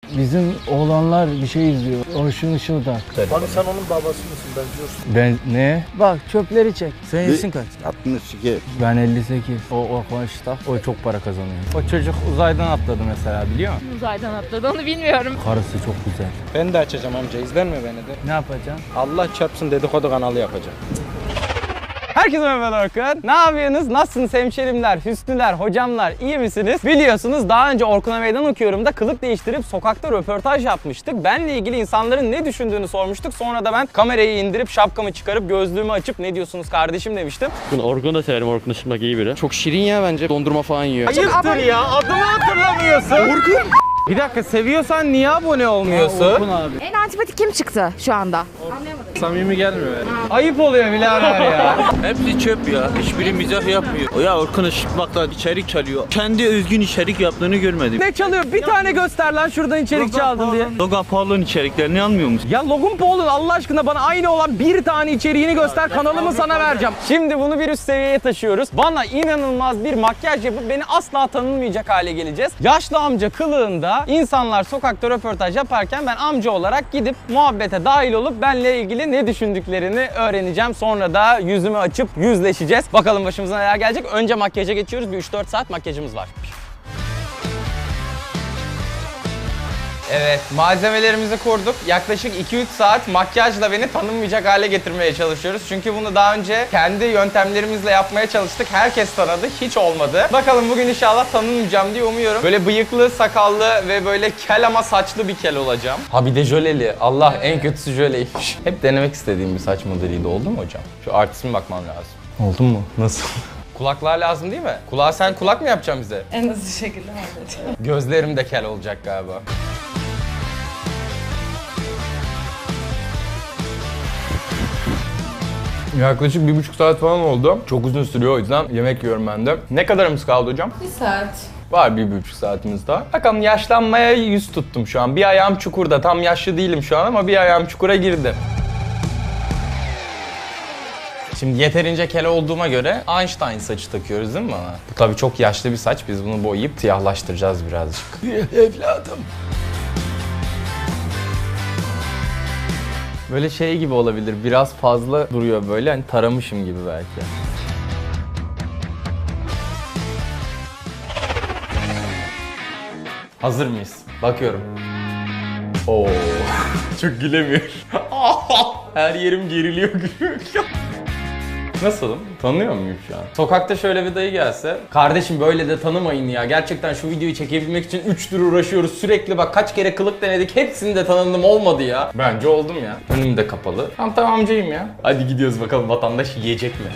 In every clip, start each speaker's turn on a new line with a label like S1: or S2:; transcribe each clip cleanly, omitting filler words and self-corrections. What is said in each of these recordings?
S1: Bizim oğlanlar bir şey izliyor. Orçun Işıldak.
S2: Hani sen onun babası mısın benziyorsun.
S1: Ben ne? Bak çöpleri çek. Senin yaşın kaç?
S3: 62.
S1: Ben 58. O konuşta. O çok para kazanıyor. O çocuk uzaydan atladı mesela, biliyor musun?
S4: Uzaydan atladı, onu bilmiyorum.
S1: Karısı çok güzel.
S2: Ben de açacağım amca, izlenme beni de.
S1: Ne yapacaksın?
S2: Allah çarpsın dedikodu kanalı yapacağım.
S1: Herkese merhaba Orkun. Ne yapıyorsunuz? Nasılsınız hemşerimler, hüsnüler, hocamlar? İyi misiniz? Biliyorsunuz daha önce Orkun'a meydan okuyorum da kılık değiştirip sokakta röportaj yapmıştık. Benle ilgili insanların ne düşündüğünü sormuştuk. Sonra da ben kamerayı indirip şapkamı çıkarıp gözlüğümü açıp ne diyorsunuz kardeşim demiştim.
S5: Orkun'u da severim. Orkun Işıtmak iyi biri.
S2: Çok şirin ya bence, dondurma falan yiyor.
S1: Ayıptır ya, adımı hatırlamıyorsun. Orkun! Bir dakika, seviyorsan niye abone olmuyorsun?
S2: Orkun abi.
S4: En antipatik kim çıktı şu anda?
S2: Samimi gelmiyor yani.
S1: Ayıp oluyor birader ya.
S6: Hepsi çöp ya. Hiçbiri mizah yapmıyor. Ya Orkun Işıtmak'la içerik çalıyor. Kendi özgün içerik yaptığını görmedim.
S1: Ne çalıyor? Bir tane göster lan şuradan içerik çaldın diye.
S6: Logan Paul'un içeriklerini almıyor musun?
S1: Ya Logan Paul'un Allah aşkına bana aynı olan bir tane içeriğini göster, kanalımı sana vereceğim. Şimdi bunu bir üst seviyeye taşıyoruz. Bana inanılmaz bir makyaj yapıp beni asla tanınmayacak hale geleceğiz. Yaşlı amca kılığında insanlar sokakta röportaj yaparken ben amca olarak gidip muhabbete dahil olup benle ilgili ne düşündüklerini öğreneceğim. Sonra da yüzümü açıp yüzleşeceğiz. Bakalım başımıza neler gelecek. Önce makyaja geçiyoruz. Bir 3-4 saat makyajımız var. Evet, malzemelerimizi kurduk. Yaklaşık 2-3 saat makyajla beni tanınmayacak hale getirmeye çalışıyoruz. Çünkü bunu daha önce kendi yöntemlerimizle yapmaya çalıştık. Herkes tanıdı, hiç olmadı. Bakalım bugün inşallah tanınmayacağım diye umuyorum. Böyle bıyıklı, sakallı ve böyle kel ama saçlı bir kel olacağım. Ha bir de jöleli. Allah, en kötüsü jöleymiş. Hep denemek istediğim bir saç modeliydi. Oldu mu hocam? Şu artistime bakmam lazım. Oldu mu? Nasıl? Kulaklar lazım değil mi? Kulağa sen kulak mı yapacaksın bize?
S4: En hızlı şekilde halledeceğim.
S1: Gözlerim de kel olacak galiba. Yaklaşık 1,5 saat falan oldu. Çok uzun sürüyor, o yüzden yemek yiyorum ben de. Ne kadarımız kaldı hocam?
S4: 1 saat.
S1: Var 1,5 saatimiz daha. Bakalım, yaşlanmaya yüz tuttum şu an. Bir ayağım çukurda. Tam yaşlı değilim şu an ama bir ayağım çukura girdi. Şimdi yeterince kel olduğuma göre Einstein saçı takıyoruz değil mi bana? Bu tabii çok yaşlı bir saç. Biz bunu boyayıp siyahlaştıracağız birazcık. Evladım. Böyle şey gibi olabilir. Biraz fazla duruyor böyle. Hani taramışım gibi belki. Hazır mıyız? Bakıyorum. Oo. Çok gülemiyorum. Her yerim geriliyor, gülüyor. Nasılım? Tanıyor muyum şu an? Sokakta şöyle bir dayı gelse, kardeşim böyle de tanımayın ya. Gerçekten şu videoyu çekebilmek için 3 tur uğraşıyoruz. Sürekli bak kaç kere kılık denedik. Hepsinde tanındım, olmadı ya. Bence oldum ya. Önüm de kapalı. Tamam amcayım ya. Hadi gidiyoruz bakalım, vatandaş yiyecek mi?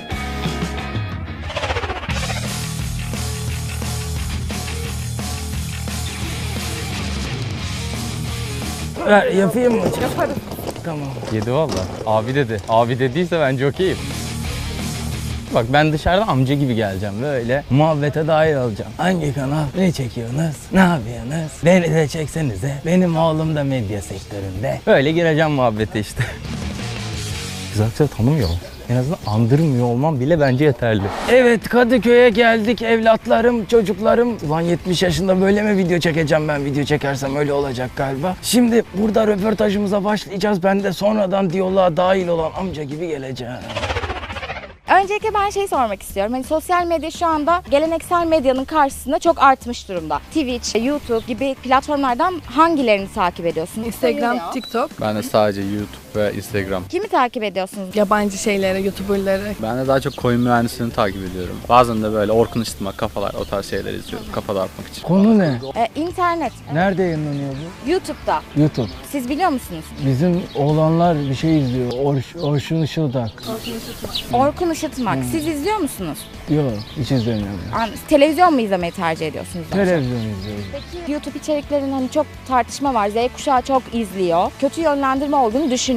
S1: Yapayım mı hocam?
S4: Yaparım.
S1: Tamam. Yedi valla. Abi dedi. Abi dediyse bence okeyim. Bak ben dışarıda amca gibi geleceğim böyle. Muhabbete dahil olacağım. Hangi kanal? Ne çekiyorsunuz? Ne yapıyorsunuz? Beni de çeksenize. Benim oğlum da medya sektöründe. Böyle gireceğim muhabbete işte. Güzel tanımıyor. En azından andırmıyor olmam bile bence yeterli. Evet, Kadıköy'e geldik evlatlarım, çocuklarım. Ulan 70 yaşında böyle mi video çekeceğim ben? Video çekersem öyle olacak galiba. Şimdi burada röportajımıza başlayacağız. Ben de sonradan diyaloğa dahil olan amca gibi geleceğim.
S4: Öncelikle ben sormak istiyorum. Hani sosyal medya şu anda geleneksel medyanın karşısında çok artmış durumda. Twitch, YouTube gibi platformlardan hangilerini takip ediyorsunuz?
S7: Instagram, TikTok.
S8: Ben de sadece YouTube ve Instagram.
S4: Kimi takip ediyorsunuz?
S7: Yabancı şeyleri, YouTuber'ları.
S8: Ben de daha çok koyun mühendisliğini takip ediyorum. Bazen de böyle Orkun Işıtmak, kafalar, o tarz şeyler izliyorum. Kafa dağıtmak için.
S1: Konu ne?
S4: İnternet,
S1: Nerede yayınlanıyor bu?
S4: YouTube'da.
S1: YouTube.
S4: Siz biliyor musunuz?
S1: Bizim oğlanlar bir şey izliyor. Orçun Işıldak.
S4: Orkun Işıtmak. Siz izliyor musunuz?
S1: Yok, hiç izlemiyorum.
S4: Televizyon mu izlemeyi tercih ediyorsunuz? daha çok?
S1: Televizyon izliyorum.
S4: YouTube içeriklerinin hani çok tartışma var. Z kuşağı çok izliyor. Kötü yönlendirme olduğunu düşünüyorum.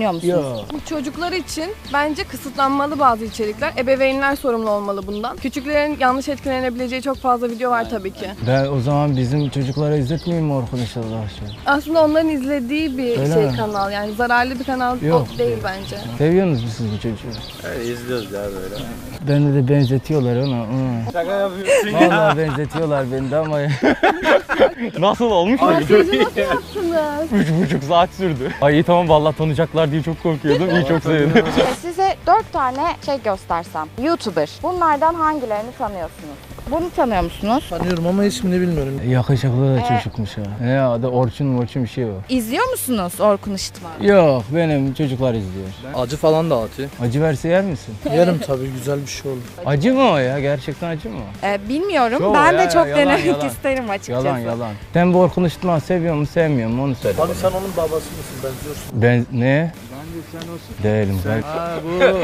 S4: düşünüyor musunuz?
S1: Yok.
S7: Çocuklar için bence kısıtlanmalı bazı içerikler. Ebeveynler sorumlu olmalı bundan. Küçüklerin yanlış etkilenebileceği çok fazla video var tabii ki.
S1: Ben o zaman bizim çocuklara izletmeyeyim mi Orkun Işıldağ'ı?
S7: Aslında onların izlediği bir
S1: Öyle mi?
S7: kanal. Yani zararlı bir kanal
S1: Yok.
S7: o değil bence.
S1: Seviyorsunuz mu siz bu çocuğu?
S6: Öyle izliyoruz ya böyle.
S1: Beni de benzetiyorlar ona.
S2: Şaka yapıyorsun
S1: Vallahi benzetiyorlar beni de ama... Nasıl olmuş mu?
S7: Makyajı nasıl yaptınız?
S1: 3,5 saat sürdü. Ay iyi tamam vallahi tanıyacaklar diye çok korkuyordum. İyi çok sevdim.
S4: Size 4 tane şey göstersem. YouTuber. Bunlardan hangilerini tanıyorsunuz? Bunu tanıyor musunuz?
S3: Tanıyorum ama ismini bilmiyorum.
S1: Yakışıklı da çocukmuş ha. Ya adı Orçun bir şey o.
S4: İzliyor musunuz Orkun Işıtma?
S1: Yok benim çocuklar izliyor.
S3: Acı falan da atıyor.
S1: Acı verse yer misin?
S3: Yerim tabii, güzel bir şey olur.
S1: Acı mı o ya? Gerçekten acı mı?
S4: Bilmiyorum.
S1: Şov
S4: Ben
S1: ya,
S4: de çok
S1: yalan,
S4: denemek
S1: yalan.
S4: isterim açıkçası.
S1: Yalan. Sen bu Orkun Işıtma seviyor mu sevmiyor mu onu söyle.
S3: Abi sen onun babası mısın? Benziyorsun.
S1: Ben ne? Değilim.
S3: Ha bu.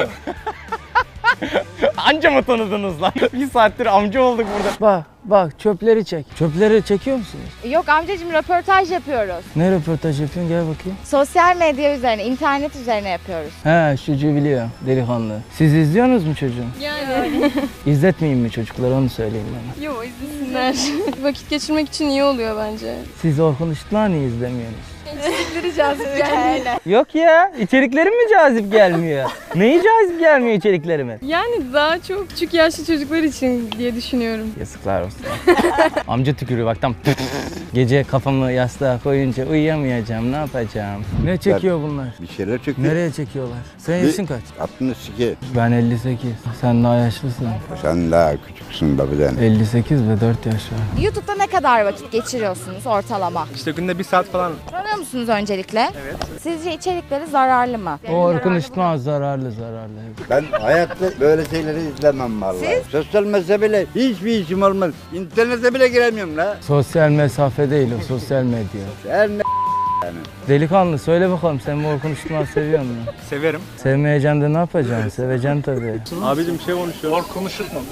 S1: Anca mı tanıdınız lan? Bir saattir amca olduk burada. Bak çöpleri çek. Çöpleri çekiyor musunuz?
S4: Yok amcacığım röportaj yapıyoruz.
S1: Ne röportaj yapıyorsun? Gel bakayım.
S4: Sosyal medya üzerine, internet üzerine yapıyoruz.
S1: He çocuğu biliyor delikanlı. Siz izliyorsunuz mu çocuğu?
S7: Yani.
S1: İzletmeyeyim mi çocuklara onu söyleyeyim bana.
S7: Yok izlesinler. Vakit geçirmek için iyi oluyor bence.
S1: Siz Orkun Işıtma niye izlemiyorsunuz?
S7: İçerikleri cazip gelmiyor.
S1: Yok ya içeriklerim mi cazip gelmiyor? Neyi cazip gelmiyor içeriklerimin?
S7: Yani daha çok küçük yaşlı çocuklar için diye düşünüyorum.
S1: Yazıklar olsun. Amca tükürüyor bak tam. Gece kafamı yastığa koyunca uyuyamayacağım ne yapacağım? Ne çekiyor bunlar?
S9: Bir şeyler çekiyor.
S1: Nereye çekiyorlar? Senin yaşın kaç?
S9: 62.
S1: Ben 58. Sen daha yaşlısın.
S9: Sen daha küçüksün babadan.
S1: 58 ve 4 yaş var.
S4: YouTube'da ne kadar vakit geçiriyorsunuz ortalama?
S2: İşte günde 1 saat falan.
S4: Tanıyor musunuz öncelikle? Evet. Sizce içerikleri zararlı mı?
S1: O Orkun Işıtma zararlı.
S9: Ben hayatta böyle şeyleri izlemem vallahi. Sosyal mesafeyle hiçbir işim olmaz. İnternete bile giremiyorum la.
S1: Sosyal mesafe değil o sosyal medya.
S9: Her ne
S1: Delikanlı söyle bakalım sen bu Orkun Işıtma seviyor musun?
S2: Severim.
S1: Sevmeyeceksin de ne yapacaksın? Seveceksin tabii.
S2: Abicim bir şey konuşuyor. Konuşutma.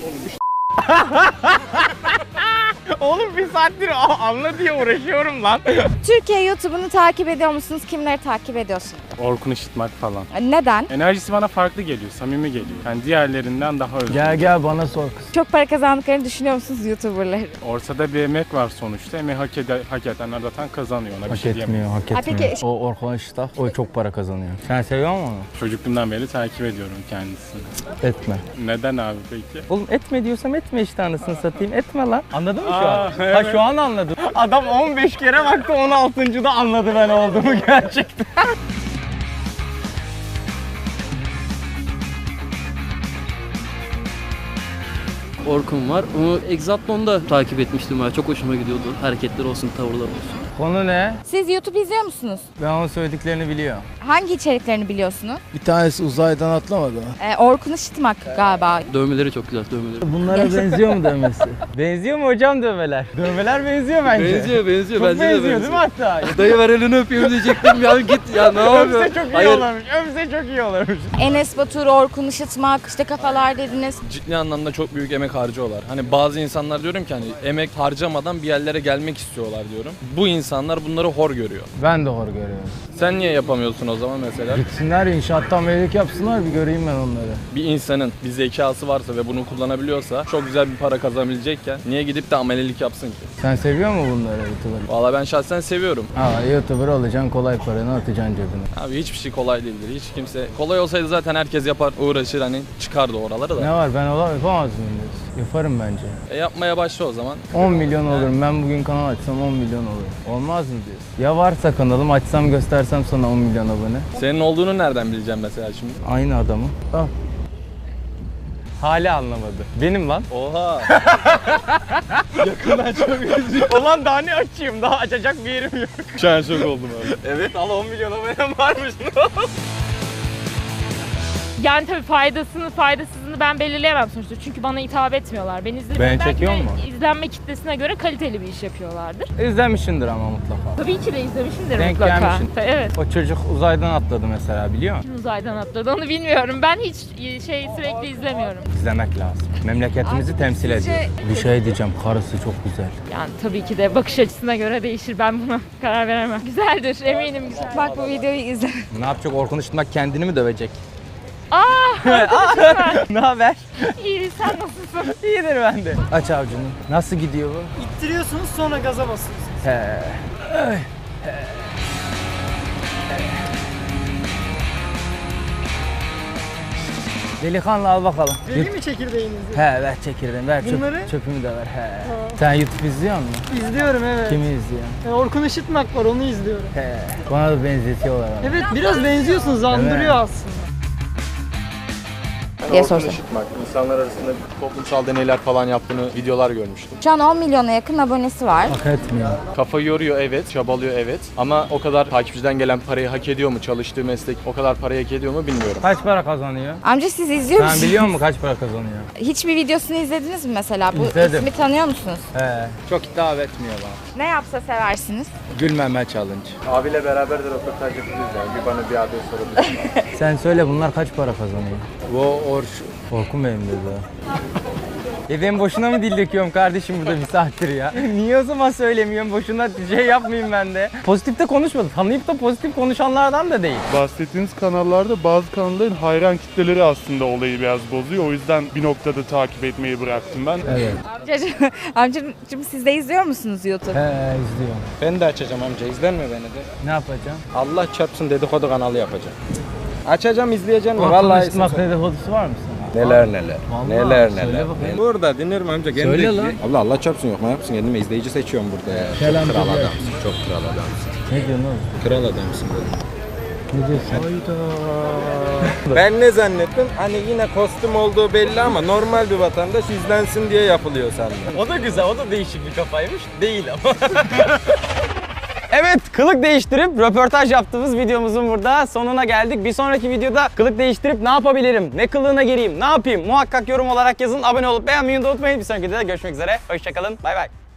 S1: Oğlum bir saattir anla diye uğraşıyorum lan.
S4: Türkiye YouTube'unu takip ediyor musunuz? Kimleri takip ediyorsunuz?
S2: Orkun Işıtmak falan.
S4: Neden?
S2: Enerjisi bana farklı geliyor, samimi geliyor. Yani diğerlerinden daha özgür.
S1: Gel bana sor kız.
S4: Çok para kazandıklarını düşünüyor musunuz YouTuber'ları?
S2: Ortada bir emek var sonuçta. Emeği hak edenler zaten kazanıyor. Ona bir
S1: Hak
S2: şey diyemem.
S1: etmiyor, hak
S4: Ha,
S1: etmiyor.
S4: peki-
S1: O Orkun Işıtma, o çok para kazanıyor. Sen seviyor musun onu?
S2: Çocukluğumdan beri takip ediyorum kendisini.
S1: Etme.
S2: Neden abi peki?
S1: Oğlum etme diyorsam etme işte anasını satayım. Etme lan. Anladın mı şu
S2: Aa,
S1: an?
S2: evet.
S1: Ha şu an anladım. Adam 15 kere baktı 16. da anladı ben olduğumu gerçekten.
S5: Orkun var. Onu Exatlon'da takip etmiştim ben. Çok hoşuma gidiyordu. Hareketler olsun, tavırlar olsun.
S1: Konu ne?
S4: Siz YouTube izliyor musunuz?
S1: Ben onun söylediklerini biliyorum.
S4: Hangi içeriklerini biliyorsunuz?
S3: Bir tanesi uzaydan atlamadı.
S4: Orkun Işıtmak galiba.
S5: Dövmeleri çok güzel, dövmeleri.
S1: Bunlara benziyor mu dövmesi? Benziyor mu hocam dövmeler? Dövmeler benziyor bence.
S5: benziyor.
S1: Çok benziyor değil mi hatta?
S5: Dayı ver elini öpeyim diyecektim ya git ya ne yapıyorsun?
S1: Öpse çok iyi olurmuş. Öpse çok iyi olurmuş.
S4: Enes Batur, Orkun Işıtmak, işte kafalar dediniz.
S10: Ciddi anlamda çok büyük emek harcıyorlar. Hani bazı insanlar diyorum ki hani emek harcamadan bir yerlere gelmek istiyorlar diyorum. Bu insanlar bunları hor görüyor.
S1: Ben de hor görüyorum.
S10: Sen niye yapamıyorsun o zaman mesela?
S1: Gitsinler inşaattan melek yapsınlar bir göreyim ben onları.
S10: Bir insanın bir zekası varsa ve bunu kullanabiliyorsa çok güzel bir para kazanabilecekken niye gidip de amelelik yapsın ki?
S1: Sen seviyor musun bunları YouTuber'ı?
S10: Valla ben şahsen seviyorum.
S1: Ha YouTuber olacaksın kolay paranı atacaksın cebine.
S10: Abi hiçbir şey kolay değildir. Hiç kimse kolay olsaydı zaten herkes yapar, uğraşır hani çıkardı oralara da.
S1: Ne var ben yapamaz mıyım diyorsun? Yaparım bence.
S10: Yapmaya başla o zaman.
S1: 10 milyon olurum. Ben bugün kanal açsam 10 milyon olur. Olmaz mı diyorsun? Ya varsa kanalım açsam göstersem sana 10 milyon abone.
S10: Senin olduğunu nereden bileceğim mesela şimdi?
S1: Aynı adamı. Al. Hala anlamadı. Benim lan.
S10: Oha!
S1: Yakından çok üzüyor. Ulan daha ne açayım? Daha açacak bir yerim yok.
S10: Şu an şok oldum abi.
S1: Evet al 10 milyon abonem varmış.
S11: Yani tabii faydasını tarzını ben belirleyemem sonuçta. Çünkü bana hitap etmiyorlar. Ben izlediğim
S1: Beni
S11: belki
S1: çekiyor
S11: de
S1: mu?
S11: izlenme kitlesine göre kaliteli bir iş yapıyorlardır.
S1: İzlemişsindir ama mutlaka.
S11: Tabii ki de izlemişimdir
S1: Denk
S11: mutlaka.
S1: gelmişsin.
S11: Evet.
S1: O çocuk uzaydan atladı mesela, biliyor musun?
S11: Kim uzaydan atladı onu bilmiyorum. Ben hiç sürekli izlemiyorum.
S1: İzlemek lazım. Memleketimizi temsil ediyor. Bir şey diyeceğim, karısı çok güzel.
S11: Yani tabii ki de bakış açısına göre değişir. Ben buna karar veremem. Güzeldir, eminim güzel.
S4: Bak bu videoyu izle.
S1: Ne yapacak Orkun Işıtmak, kendini mi dövecek?
S11: Arkadaşım
S1: Ne haber?
S11: İyi, sen nasılsın?
S1: İyidir ben de. Aç avcunu. Nasıl gidiyor bu?
S3: İttiriyorsunuz sonra gaza basıyorsunuz.
S1: He. Delikanlı al bakalım.
S3: Vereyim mi çekirdeğinizi?
S1: He ver çekirdeğini, ver
S3: Bunları?
S1: çöpümü de ver. He. Sen YouTube izliyor musun?
S3: İzliyorum evet.
S1: Kimi izliyorsun?
S3: Orkun Işıtmak var onu izliyorum.
S1: He. Bana da benzetiyorlar ama.
S3: Evet biraz benziyorsunuz andırıyor aslında.
S4: diye sorsam.
S10: Orkun Işıtmak, insanlar arasında toplumsal deneyler falan yaptığını videolar görmüştüm.
S4: Şu an 10 milyona yakın abonesi var.
S1: Hak etmiyor.
S10: Kafa yoruyor evet, çabalıyor evet. Ama o kadar takipçiden gelen parayı hak ediyor mu? Çalıştığı meslek o kadar parayı hak ediyor mu bilmiyorum.
S1: Kaç para kazanıyor?
S4: Amca siz izliyor musunuz?
S1: Sen biliyor musun kaç para kazanıyor?
S4: Hiçbir videosunu izlediniz mi mesela? Bu
S1: İzledim.
S4: ismi tanıyor musunuz?
S1: He. Çok hitap etmiyor bana.
S4: Ne yapsa seversiniz?
S1: Gülmeme challenge.
S10: Abiyle beraber de röportaj yapıyoruz yani. Bir bana bir abi sorabilir.
S1: Sen söyle, bunlar kaç para kazanıyor? Orkun benim dedi. Ben boşuna mı dil döküyorum kardeşim burada bir saattir ya? Niye o zaman söylemiyorum? Boşuna şey yapmayayım ben de. Pozitif de konuşmadım. Tanıyıp da pozitif konuşanlardan da değil.
S2: Bahsettiğiniz kanallarda bazı kanalların hayran kitleleri aslında olayı biraz bozuyor. O yüzden bir noktada takip etmeyi bıraktım ben.
S1: Evet.
S4: Amcacığım siz de izliyor musunuz YouTube?
S1: He izliyorum.
S12: Ben de açacağım amca, izlenme beni de.
S1: Ne yapacağım?
S12: Allah çarpsın dedikodu kanalı yapacağım. Açacağım, izleyeceğim mi?
S1: Orkun
S12: Vallahi
S1: Işıtmak dedikodusu var mı sana?
S12: neler.
S1: Vallahi,
S12: Neler.
S1: söyle bakayım.
S12: Burada dinlerim amca. Kendi
S1: Söyle lan.
S12: Allah çarpsın yok mu yapsın kendime izleyici seçiyorum burada ya.
S1: Selam
S12: Çok kral
S1: söyle.
S12: adamsın, çok kral adamsın.
S1: Ne diyorsun oğlum?
S12: Kral adamsın dedim.
S1: Ne diyorsun?
S12: Ben ne zannettim? Hani yine kostüm olduğu belli ama normal bir vatandaş izlensin diye yapılıyor sandım.
S1: O da güzel, o da değişik bir kafaymış. Değil ama. Evet, kılık değiştirip röportaj yaptığımız videomuzun burada sonuna geldik. Bir sonraki videoda kılık değiştirip ne yapabilirim, ne kılığına gireyim, ne yapayım muhakkak yorum olarak yazın. Abone olup beğenmeyi unutmayın. Bir sonraki videoda görüşmek üzere. Hoşçakalın, bay bay.